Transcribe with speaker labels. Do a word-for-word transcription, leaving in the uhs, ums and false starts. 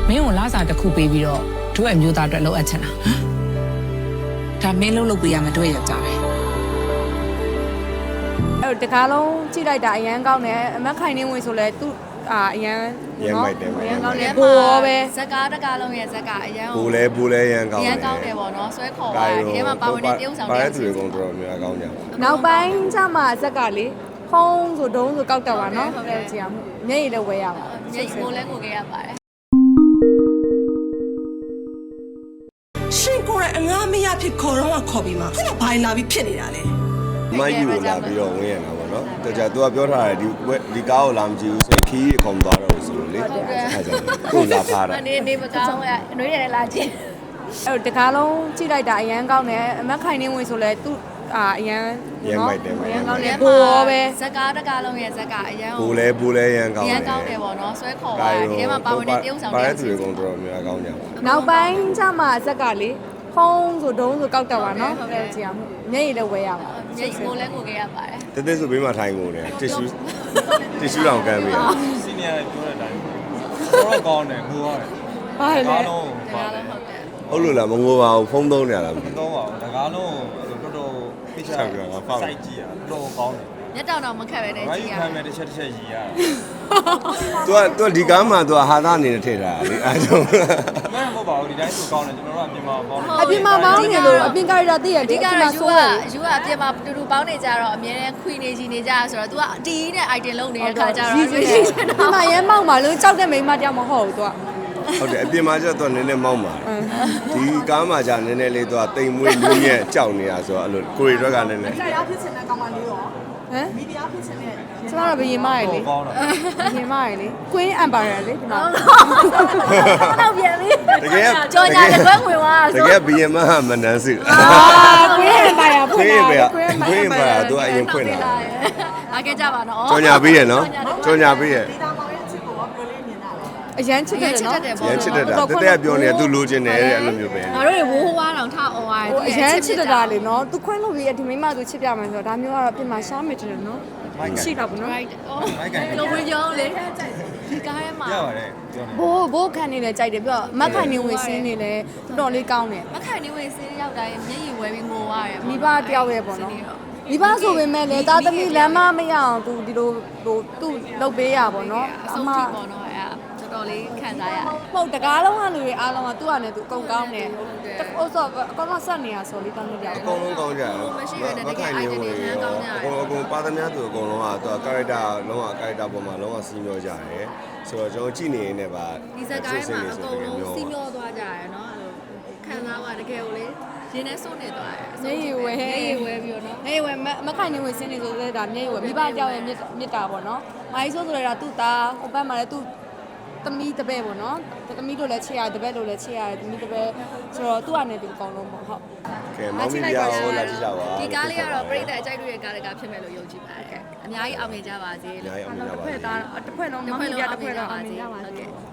Speaker 1: မင်းကိုလာစားတစ်ခုပေးပြီးတော့တို့အမျိုးသားအတွက်လောက်အပ်ချင်တာဒါမင်းလုံးလုပ်ပေးရမယ်တို့ရဲ့ကြားတယ်
Speaker 2: အဲ့တကားလုံးကြည့်လိုက်တာအရန်ကောင်းတယ်အမက်ခိုင်နေဝင်ဆိုလဲသူ့အာအရန်နော်အရန်ကောင်းတယ်ကိုရောပဲ
Speaker 3: ဇက်ကားတကားလုံးရဲ့ဇက်ကအရန်
Speaker 4: ဘူလဲဘူလဲရန်ကောင်း
Speaker 3: ရန်ကောင်းတယ်ပေါ့နော်ဆွဲခေါ်ပါဒီထဲမှာပါဝင်တဲ့တရုပ်ဆောင်
Speaker 4: ပါတဲ့သူတွေကတော့တော်တော်များကောင်းကြတယ်
Speaker 2: နောက်ပိုင်းကျမှဇက်ကလေဖုံးဆိုဒုံးဆိုကောက်တက်ပါနော်ဟုတ်တယ်ကြည့်အောင်မျက်ရည်လည်းဝဲရပါ
Speaker 3: မျက်ကိုလည်းကိုခဲ့ရပါတယ်
Speaker 5: ရှင်ကိုယ်ကအငားမရဖြစ်ခေါ်တော့ခေါ်ပြီးမှခုနဘာလာပြီးဖြစ်နေတာလဲ
Speaker 4: မယူလာပြီးတော့ဝင်ရတာပေါ့နော်တကြသူကပြောထားတယ်ဒီဒီကားကိုလာမကြည့်ဘူးဆိုရင်ခီးအကုန်သွားတော့ဆိုလို့လေအဲ့ဒါကိုလာဖားတာ
Speaker 3: နေနေမကောင်းရအနှွေးရတယ်လာချင်း
Speaker 2: အဲ့တကားလုံးကြည့်လိုက်တာအရန်ကောင်းတယ်အမက်ခိုင်နေဝင်ဆိုလဲသူ့အာအရန်နော်အရန်ကောင်းတယ်ကိုရောပဲ
Speaker 3: ဇက်ကားတကားလုံးရဲ့ဇက်ကအရန်
Speaker 4: ဘူလဲဘူလဲရန်ကောင်း
Speaker 3: ရန်ကောင်းတယ်ပေါ့နော်ဆွဲခေါ်ပါဒီထဲမှာပါဝင်တဲ့တရုပ်ဆောင်
Speaker 4: ပါတဲ့သူတွေကတော့တော်တော်များကောင်းကြတယ်
Speaker 2: နောက်ပိုင်းကျမှဇက်ကလေဖုံးဆိုဒုံးဆိုကောက်တက်ပါနော်ဟုတ်တယ်ကြည့်အောင်မျက်ရည်လည်းဝဲရပါ
Speaker 3: မျက်ကိုလည်းကိုခဲ့ရပါတယ်
Speaker 4: တက်တက်ဆိုဘေးမှာထိုင်ကုန်တယ်တစ်ရှူးတစ်ရှူးတောင်ကမ်းပြီးရ
Speaker 6: စီနီယာပြောတဲ့အတိုင်းတော့ကောင်းတယ်ငိုရတယ်
Speaker 2: ဘာလဲ
Speaker 6: ကားလုံး
Speaker 3: တ
Speaker 6: ပါ
Speaker 3: ကား
Speaker 6: တ
Speaker 3: လုံး
Speaker 6: ယ်
Speaker 3: ဟုတ်တယ်
Speaker 4: ဟုတ်လို့လားမငိုပါဘူးဖုံးသုံးနေရလားမသိ
Speaker 6: မတော့ပါဘူးတကားလုံးတော်တော်ဖိချာစိုက်ကြည့်ရတော့ကောင်းတယ်
Speaker 3: မျက်တောင်တော့မခက်ပဲနဲ့
Speaker 6: ဘာ
Speaker 3: ကြည့်
Speaker 6: ကြီး
Speaker 3: ရ
Speaker 6: ခံမဲ့တစ်ချက်တစ်ချက်ရည်ရတယ်
Speaker 4: သူကသူကဒီကားမှာသူကဟာသားအနေနဲ့ထည့်တာလေအားကြောင့်
Speaker 6: မင်းမဟုတ်ပါဘူးဒီတိုင်းဆိုကောင်းတယ်ကျွန်တော်တို့အပြင်မှာပေါင်းတယ်
Speaker 2: အပြင်မှာမောင်းနေလို့အပြင်ကာရီတာသိရ
Speaker 3: အဓိ
Speaker 2: ဒီ
Speaker 3: က
Speaker 2: က
Speaker 3: က
Speaker 2: မှာ
Speaker 3: ယူ
Speaker 2: ဆိုး
Speaker 3: က
Speaker 2: တယ်
Speaker 3: ယူကအပြင်မှာတူတူပေါင်းနေကြတော့အမြဲတမ်းခွေနေကြီးနေကြဆိုတော့ तू ကတီးနဲ့ item လုံးနေတဲ့ခါကျတော့
Speaker 2: ဒီမှာရဲမောက်မှာလို့ကြောက်တဲ့မိန်းမတယောက်မဟုတ်ဘူးသူက
Speaker 4: ဟုတ်တယ်အပြင်မှာကျတော့နည်းနည်းမောင်းပါဒီကားမှာကျနည်းနည်းလေးသူကတိမ်မွေးလူညက်ကြောက်နေတာဆိုတော့အဲ့လိုကိုရီတွက်ကနည်းနည်း
Speaker 5: တရားဖြစ်ချင်တဲ့ကောင်မလေးရော
Speaker 2: ဟမ်
Speaker 5: မိတရားဖြစ်ချင်တဲ့
Speaker 2: ကျမတို့ဘယင်မရယ်လေ
Speaker 6: ကောင်းတယ်
Speaker 2: ဘယင်မရယ်လေ Queen Empire လေဒီမှာ
Speaker 3: တော့ပြန်ပြီ
Speaker 4: တကယ်
Speaker 3: ကြော်ညာလက်ခွဲဝင်သွား
Speaker 4: တကယ်ဘီယမဟာမနန်းစု
Speaker 2: အာ Queen Empire ဖွ
Speaker 4: ခွ
Speaker 2: င့်
Speaker 4: င့်
Speaker 2: လာ
Speaker 4: ပဲ
Speaker 2: တယ်
Speaker 4: ခွင့်ပါသူကအရင်ဖွင့်လာ
Speaker 3: လာခဲ့ကြပါနော်
Speaker 4: ကြော်ညာပေးရနော်ကြော်ညာပေးရ
Speaker 5: ဒီသားမောင်ရဲ့ချစ်ကိုရောဘယ်လိုလေးမြင်တာလဲ
Speaker 2: အရန်ချစ်တယ်နော်
Speaker 4: ရမ်းချစ်တတ်တာတက်တက်ပြောနေသူလိုချင်တယ်အဲ့လိုမျိုးပဲ
Speaker 3: ငါတို့ရေဝိုးဝါးတောင်ထအောင်သွား
Speaker 2: ဟိုအရန်ချစ်တာလေနော်သူခွင့်လို့ပြီးဒီမိန်းမသူချစ်ပြမယ်ဆိုတော့ဒါမျိုးကတော့ပြင်မှာရှားမယ်တယ်နော်ရှိတာပေါ့နော်
Speaker 3: right အော်လိုဝင်ကြောင်းလေဒီကားထဲမှာ
Speaker 6: ရပါတယ်ပြောနေ
Speaker 2: ဘိုးဘိုးခံနေလဲကြိုက်တယ်ပြီးတော့မက်ခိုင်နေဝင်စင်းနေလဲတော်တော်လေးကောင်းတယ်
Speaker 3: မခိုင်နေဝင်စင်းရောက်တိုင်းမျက်ရည်ဝဲပြီးငိုရတယ်
Speaker 2: မိဘတယောက်ရဲ့ပေါ့နော်မိဘဆိုပေမဲ့လေသားသမီးလမ်းမမရအောင်သူဒီလိုဟိုသူ့လုပ်ပေးရပေါ့နော်
Speaker 3: အဆုံးထိပေါ့နော်အဲ့တော်တော်လေးခံစားရတယ်
Speaker 2: ဟုတ်တကားလုံးကလူတွေအားလုံးကသူ့အနေနဲ့သူအကုန်ကောင်းတယ်ဟုတ်ဆိုအကောင်ကဆက်နေရဆိုလေးတောင်းလို့ရ
Speaker 4: အကုန်လုံးကောင်းကြတယ်မခိုင်နေဝင်အကုန်အကုန်ပါသမျှသူအကုန်လုံးကသူက character လုံးဝ character ပေါ်မှာလုံးဝစီးမျောကြတယ်ဆိုတော့ကျွန်တော်ကြည့်နေနေနဲ့ပါ
Speaker 3: ဒီဇက်ကိုင်းမှာအကုန်လုံးစီးမျောသွားကြရတယ်နော်အဲ့လိုခံစားရတကယ်ကိုလေရင်းနဲ့စွန့်နေသွားတယ်
Speaker 2: မျက်ရည်ဝဲ
Speaker 3: မျက်ရည်ဝဲပြီးတော့နော်
Speaker 2: မျက်ရည်ဝဲမခိုင်နေဝင်စင်းနေဆိုလဲဒါမျက်ရည်ဝဲမိဘတယောက်ရဲ့မြစ်တာပေါ့နော်မိုင်းဆိုဆိုလဲဒါသူ့သားဟိုဘက်မှာလဲသူ့သမီးတပည့်ပေါ့နော်သမီးတို့လည်းချစ်ရတယ်တပည့်တို့လည်းချစ်ရတယ်သမီးတပည့်ဆိုတော့သူ့အနေနဲ့သူအကောင်လုံးပေါ့ဟုတ်
Speaker 4: ကဲမောင်မီဒီယာကိုလာကြည့်ကြပါ
Speaker 3: ဒီကားလေးကတော့ပြိတ္တအကြိုက်တွေရဲ့ကားတကာဖြစ်မယ်လို့ယုံကြည်ပါတယ်အများကြီးအောင်မြင်ကြပါစေ
Speaker 4: အများကြီးအောင်မြင်ကြပါ
Speaker 2: တစ်ဖွဲ့သားတစ်ဖွဲ့လုံးမမီဒီယာတစ်ဖွဲ့လုံးအောင်မြင်ကြပါစေ